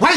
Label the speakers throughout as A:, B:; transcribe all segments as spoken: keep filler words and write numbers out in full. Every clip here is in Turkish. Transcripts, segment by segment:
A: Vay!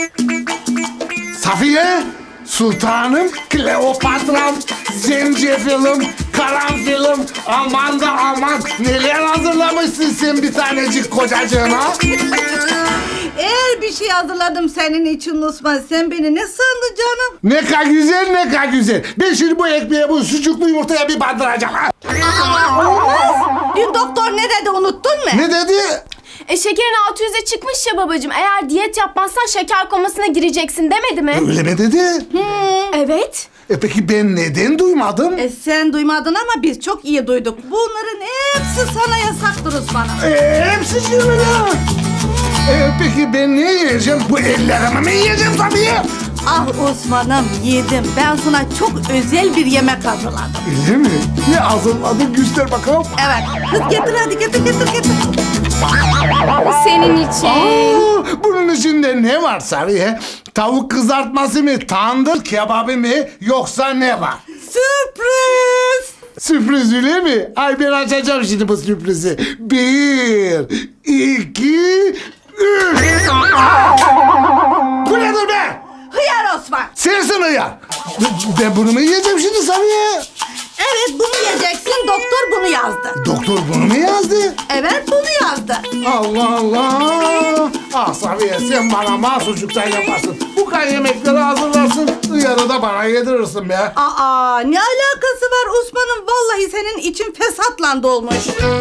A: Safiye, Sultanım, Kleopatram, Zencefilim, Karanfilim, aman da aman neler hazırlamışsın sen bir tanecik kocacığına.
B: Eğer bir şey hazırladım senin için Osman, sen beni ne sandın canım?
A: Ne kadar güzel, ne kadar güzel. Ben şimdi bu ekmeğe, bu sucuklu yumurtaya bir bandıracağım. Ha?
B: Olmaz. Dün doktor ne dedi, unuttun mu?
A: Ne dedi?
C: E şekerin altı yüze çıkmış ya babacığım. Eğer diyet yapmazsan şeker komasına gireceksin demedi mi?
A: Öyle mi dedi?
C: Evet.
A: E peki ben neden duymadım?
B: E sen duymadın ama biz çok iyi duyduk. Bunların hepsi sana yasaktır Osman'ım.
A: E, hepsi şimdi ya. E, peki ben ne yiyeceğim? Bu ellerimi mi yiyeceğim tabii?
B: Ah Osman'ım, yedim. Ben sana çok özel bir yemek hazırladım.
A: Öyle mi? Ne hazırladın? Göster bakalım.
B: Evet. Kız getir hadi, getir getir getir.
C: Senin için.
A: Aa, bunun içinde ne var Safiye? Tavuk kızartması mı, tandır kebabı mı, yoksa ne var?
B: Sürpriz.
A: Sürpriz öyle mi? Ay ben açacağım şimdi bu sürprizi. Bir, iki, üç. Aa! Bu nedir be?
B: Hıyar Osman.
A: Sensin hıyar. Ben bunu mu yiyeceğim şimdi Safiye?
B: Evet, bunu yiyeceksin. Doktor bunu yazdı.
A: Doktor bunu mu yazdı?
B: Evet, bunu yazdı.
A: Allah Allah! Ah Safiye sen bana mahsucuktan yaparsın. Bu kadar yemekleri hazırlarsın. Yarı da bana yedirirsin be.
B: Aa, ne alakası var Osman'ım? Vallahi senin için fesatla dolmuş.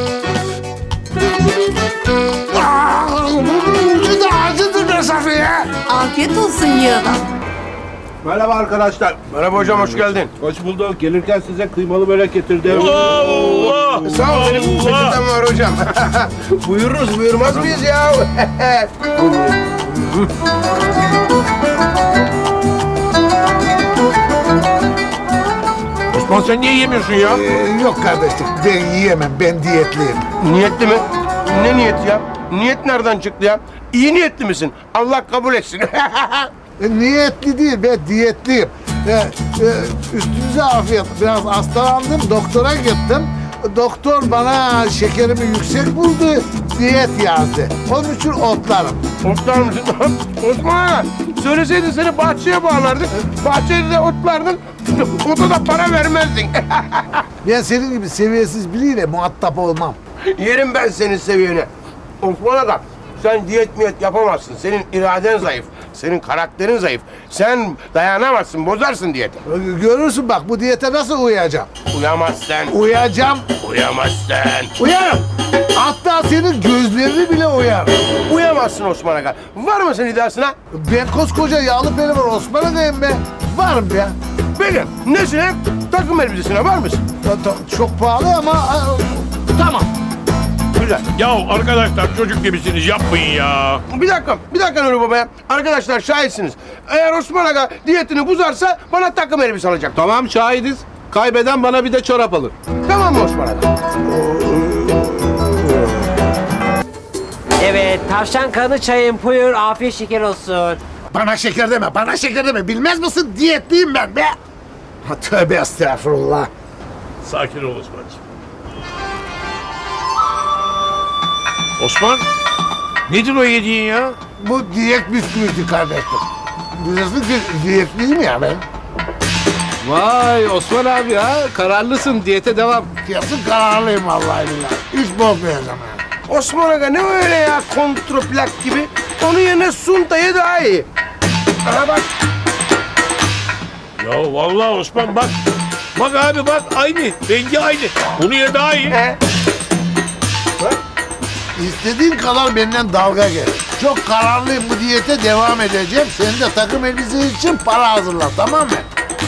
A: Ah, bu ucu da acıdır be Safiye.
B: Afiyet olsun yığına.
D: Merhaba arkadaşlar.
E: Merhaba hocam, hoş geldin.
D: Hoş bulduk. Gelirken size kıymalı börek getirdim.
E: Allah! Sağ ol, benim peçetem var hocam. Buyururuz, buyurmaz mıyız ya? Osman sen niye yemiyorsun ya?
A: Ee, yok kardeşim ben yiyemem, ben diyetliyim.
E: Niyetli mi? Ne niyeti ya? Niyet nereden çıktı ya? İyi niyetli misin? Allah kabul etsin.
A: E, niyetli değil, ben diyetliyim. E, e, üstünüze afiyet. Biraz hastalandım, doktora gittim. Doktor bana şekerimi yüksek buldu, diyet yazdı. Onun için otlarım.
E: Otlar mısın? Osman! Söyleseydin seni bahçeye bağlardık. Bahçede de otlardın. Ota da para vermezdin.
A: Ben senin gibi seviyesiz biriyle muhatap olmam.
E: Yerim ben senin seviyene. Osman Aga, sen diyet miyet yapamazsın. Senin iraden zayıf. Senin karakterin zayıf. Sen dayanamazsın, bozarsın diyeti.
A: E, Görürsün bak bu diyete nasıl uyuyacağım.
E: Uyamazsın.
A: Uyuyacağım,
E: Uyamazsın.
A: uyarım. Hatta senin gözlerini bile uyarım.
E: Uyamazsın Osman Aga. Var mısın iddiasına?
A: Ben koskoca yağlı pelivan Osman Aga'yım be. Varım be.
E: Benim. Nesine? Takım elbisesine var mısın?
A: Ta- ta- Çok pahalı ama a, tamam.
E: Güzel.
F: Ya arkadaşlar çocuk gibisiniz yapmayın ya.
E: Bir dakika, bir dakika Nuri Baba ya. Arkadaşlar şahitsiniz. Eğer Osman Aga diyetini bozarsa bana takım elbise alacak.
D: Tamam şahidiz. Kaybeden bana bir de çorap alır.
E: Tamam mı Osman Aga?
G: Evet, tavşan kanı çayın buyur, afiyet şeker olsun.
A: Bana şeker deme, bana şeker deme. Bilmez misin? Diyetliyim ben be. Ha, tövbe estağfurullah.
F: Sakin ol Osman'cığım. Osman, nedir o yediğin ya?
A: Bu diyet bisküvisi kardeşim. Biliyorsun ki diyetliyim ya ben.
D: Vay Osman abi ya, kararlısın, diyete devam.
A: Kesin kararlıyım vallahi billahi. Hiç bozmayacağım yani.
E: Osman Aga ne öyle ya kontroplak gibi? Onun yerine Sunta'ya daha iyi. Aha bak.
F: Ya vallahi Osman bak. Bak abi bak aynı. Rengi aynı. Bunu ye daha iyi.
E: He.
A: İstediğin kadar benden dalga geç. Çok kararlıyım, bu diyete devam edeceğim. Sen de takım elbise için para hazırla, tamam mı?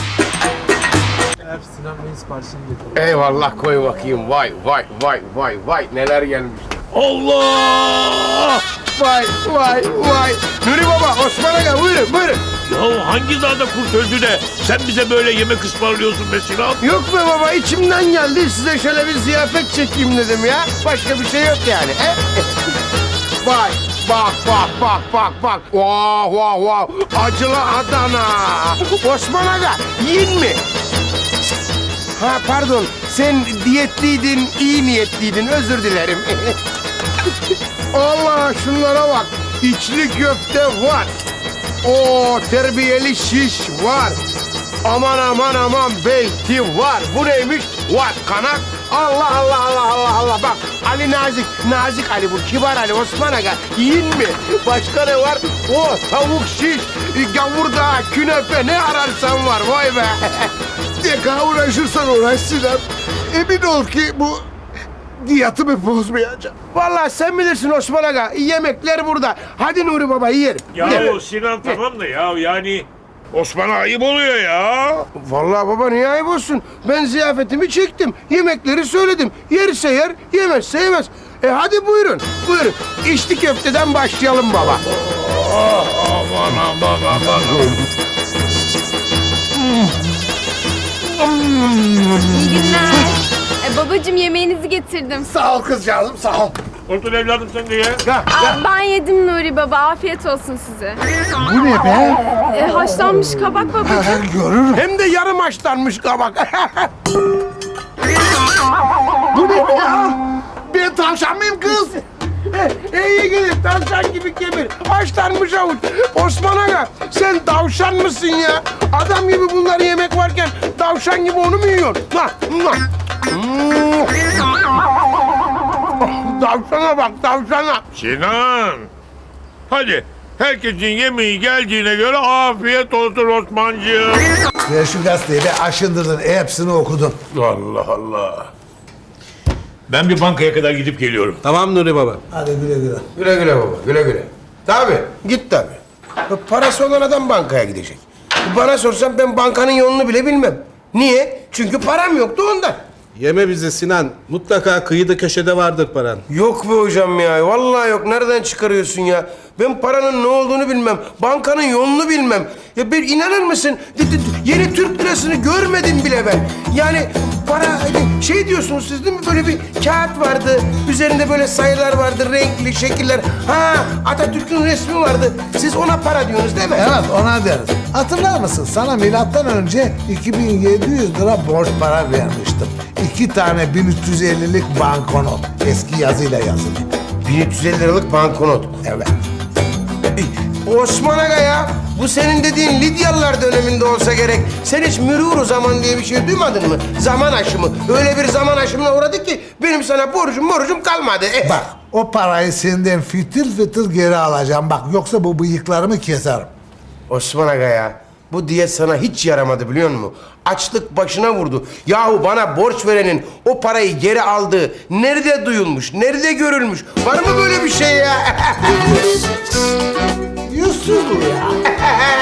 E: Eyvallah koy bakayım. Vay vay vay vay vay neler gelmiş.
F: Allah!
E: Vay vay vay. Nuri Baba, Osman Aga buyurun buyurun.
F: Ya hangi dağda kurt öldü de sen bize böyle yemek ısmarlıyorsun be Sinan?
E: Yok be baba içimden geldi size şöyle bir ziyafet çekeyim dedim ya. Başka bir şey yok yani. He? Vay bak bak bak bak bak. Vah vah vah. Acılı Adana. Osman Aga yiyin mi? Ha pardon sen diyetliydin iyi niyetliydin özür dilerim. Allah şunlara bak. içli köfte var. O terbiyeli şiş var. Aman aman aman beyti var. Bu neymiş? Var kanat. Allah Allah Allah Allah Allah. Bak Ali Nazik, Nazik Ali bu. Kibar Ali, Osman Aga. Yiyin mi? Başka ne var? O tavuk şiş, gavurda, künefe ne ararsan var. Vay be.
A: Ne kadar uğraşırsan uğraş Sinan. Emin ol ki bu diyetimi bozmayacağım.
E: Vallahi sen bilirsin Osman Aga. Yemekler burada. Hadi Nuri Baba yiyelim.
F: Ya
E: Yiyelim.
F: Sinan tamam da ya yani Osman'a ayıp oluyor ya.
E: Vallahi baba niye ayıp olsun? Ben ziyafetimi çektim. Yemekleri söyledim. Yerse yer, yemezse yemez. E hadi buyurun, buyurun. İçli köfteden başlayalım baba.
F: Aman aman aman.
C: İyi günler. E, babacığım yemeğinizi getirdim.
A: Sağ ol kızcağızım sağ ol.
F: Otur evladım sen de ye.
E: Ya,
C: Aa, ben yedim Nuri baba. Afiyet olsun size.
A: Bu ne be?
C: E, haşlanmış kabak babacığım.
A: Ha, görürüm.
E: hem de yarım haşlanmış kabak.
A: Bu ne be ya? Ben tavşan mıyım kız?
E: e, iyi gelir, tavşan gibi kemir. Haşlanmış avuç. Osman Aga, sen tavşan mısın ya? Adam gibi bunları yemek varken tavşan gibi onu mu yiyorsun? Lan, lan. Hmm. Tavşana bak, tavşana.
F: Sinan. Hadi herkesin yemeği geldiğine göre afiyet olsun Osmancığım.
A: Ver şu gazeteyi be aşındırdın hepsini okudun.
F: Allah Allah. Ben bir bankaya kadar gidip geliyorum.
D: Tamam Nuri Baba.
A: Hadi güle güle.
E: Güle güle baba, güle güle. Tabii, git tabii. Ya parası olan adam bankaya gidecek. Bana sorsan ben bankanın yolunu bile bilmem. Niye? Çünkü param yoktu ondan.
D: Yeme bizi Sinan. Mutlaka kıyıda köşede vardır paran.
E: Yok be hocam ya, vallahi yok. Nereden çıkarıyorsun ya? Ben paranın ne olduğunu bilmem, bankanın yolunu bilmem. Ya ben inanır mısın? D- d- Yeni Türk lirasını görmedim bile ben. Yani para, hani şey diyorsunuz siz değil mi? Böyle bir kağıt vardı, üzerinde böyle sayılar vardı, renkli şekiller. Ha, Atatürk'ün resmi vardı. Siz ona para diyorsunuz değil mi?
A: Evet ona deriz. Hatırlar mısın? Sana milattan önce iki bin yedi yüz lira borç para vermiştim. İki tane bin üç yüz ellilik banknot. Eski yazıyla yazılı.
E: bin üç yüz elli liralık banknot.
A: Evet.
E: Osman Aga ya, bu senin dediğin Lidyalılar döneminde olsa gerek. Sen hiç mürûr zaman diye bir şey duymadın mı? Zaman aşımı. Öyle bir zaman aşımına uğradık ki benim sana borcum borcum kalmadı. Eh.
A: Bak o parayı senden fitil fitil geri alacağım. Bak yoksa bu bıyıklarımı keserim.
E: Osman Aga ya, bu diyet sana hiç yaramadı biliyor musun? Açlık başına vurdu. Yahu bana borç verenin o parayı geri aldığı nerede duyulmuş, nerede görülmüş? Var mı böyle bir şey ya?
A: Yüzsüz bu ya.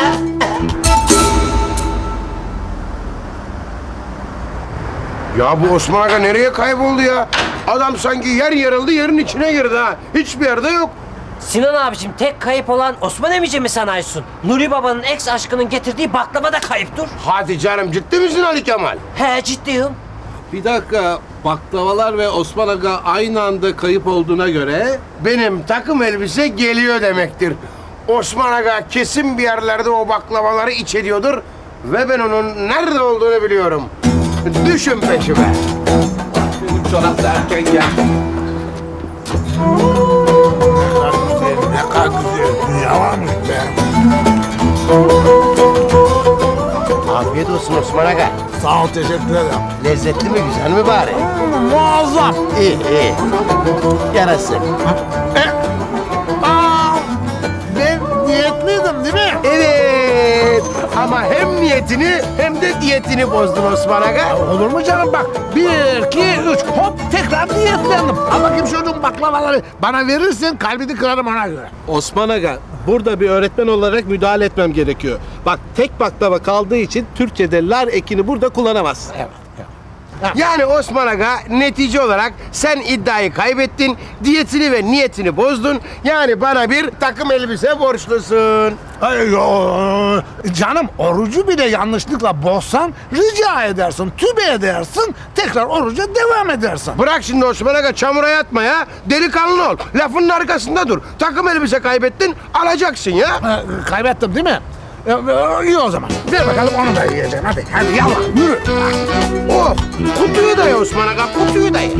E: Ya bu Osman Aga nereye kayboldu ya? Adam sanki yer yarıldı, yerin içine girdi ha. Hiçbir yerde yok.
G: Sinan abicim tek kayıp olan Osman emici mi sanıyorsun? Nuri babanın ex aşkının getirdiği baklava da kayıptır.
E: Hadi canım, ciddi misin Ali Kemal?
G: He ciddiyim.
D: Bir dakika. Baklavalar ve Osman Aga aynı anda kayıp olduğuna göre...
E: Benim takım elbise geliyor demektir. Osman Aga kesin bir yerlerde o baklavaları iç ediyordur ve ben onun nerede olduğunu biliyorum. Düşün peşime.
D: Benim çorap da erken geldi.
A: Ne kadar güzel. Dünya varmış be.
E: Afiyet olsun Osman Aga.
A: Sağ ol teşekkür ederim.
E: Lezzetli mi, güzel mi bari?
A: Muazzam.
E: İyi, iyi. Yarası.
A: Aa, ben niyetliydim değil mi?
E: Evet. Ama hem niyetini hem de diyetini bozdun Osman Aga.
A: Olur mu canım bak. Bir, iki, üç hop tekrar niyetlendim. Al bakayım çocuğum baklavaları. Bana verirsen kalbini kırarım ona göre.
D: Osman Aga, burada bir öğretmen olarak müdahale etmem gerekiyor. Bak tek baklava kaldığı için Türkçe'de lar ekini burada kullanamazsın.
A: Evet.
E: Yani Osman Aga netice olarak sen iddiayı kaybettin, diyetini ve niyetini bozdun. Yani bana bir takım elbise borçlusun.
A: Ay, yo, canım orucu bile yanlışlıkla bozsan rica edersin, tübe edersin, tekrar oruca devam edersin.
E: Bırak şimdi Osman Aga, çamura yatma ya. Delikanlı ol. Lafının arkasında dur. Takım elbise kaybettin, alacaksın ya.
A: Ha, kaybettim değil mi? E, e, iyi o zaman. Ver bakalım onu da yiyeceğim. Hadi, hadi yallah yürü.
E: Oh, kutuyu da ye Osman Aga, kutuyu da ye.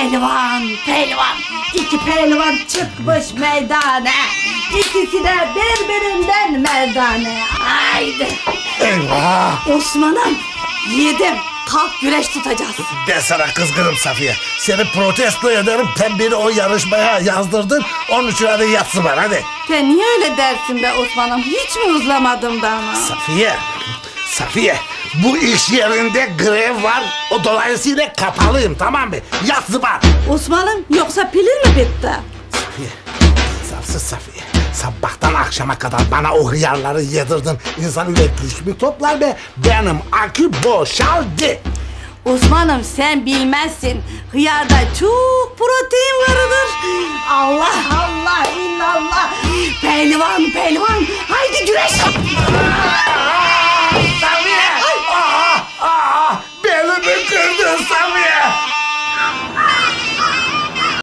B: Pehlivan, pehlivan. İki pehlivan çıkmış meydana. İkisi de birbirinden merdane. Haydi.
F: Eyvah!
B: Osman'ım, yiğidim. Kalk güreş tutacağız.
F: Ben sana kızgınım Safiye. Seni protesto ederim. Sen beni o yarışmaya yazdırdın. Onun için hadi yatsın var hadi.
B: Sen niye öyle dersin be Osman'ım? Hiç mi uzlamadım da ama?
F: Safiye, Safiye. Bu iş yerinde grev var. O dolayısıyla kapalıyım, tamam mı? Yat var.
B: Osman'ım, yoksa pilin mi bitti?
F: Safiye, safsız Safiye. Sabahtan akşama kadar bana o hıyarları yedirdin. İnsan öyle güç mü toplar be? Benim akü boşaldı.
B: Osman'ım, sen bilmezsin. Hıyarda çok protein vardır. Allah Allah illallah. Pehlivan pehlivan. Haydi güreş.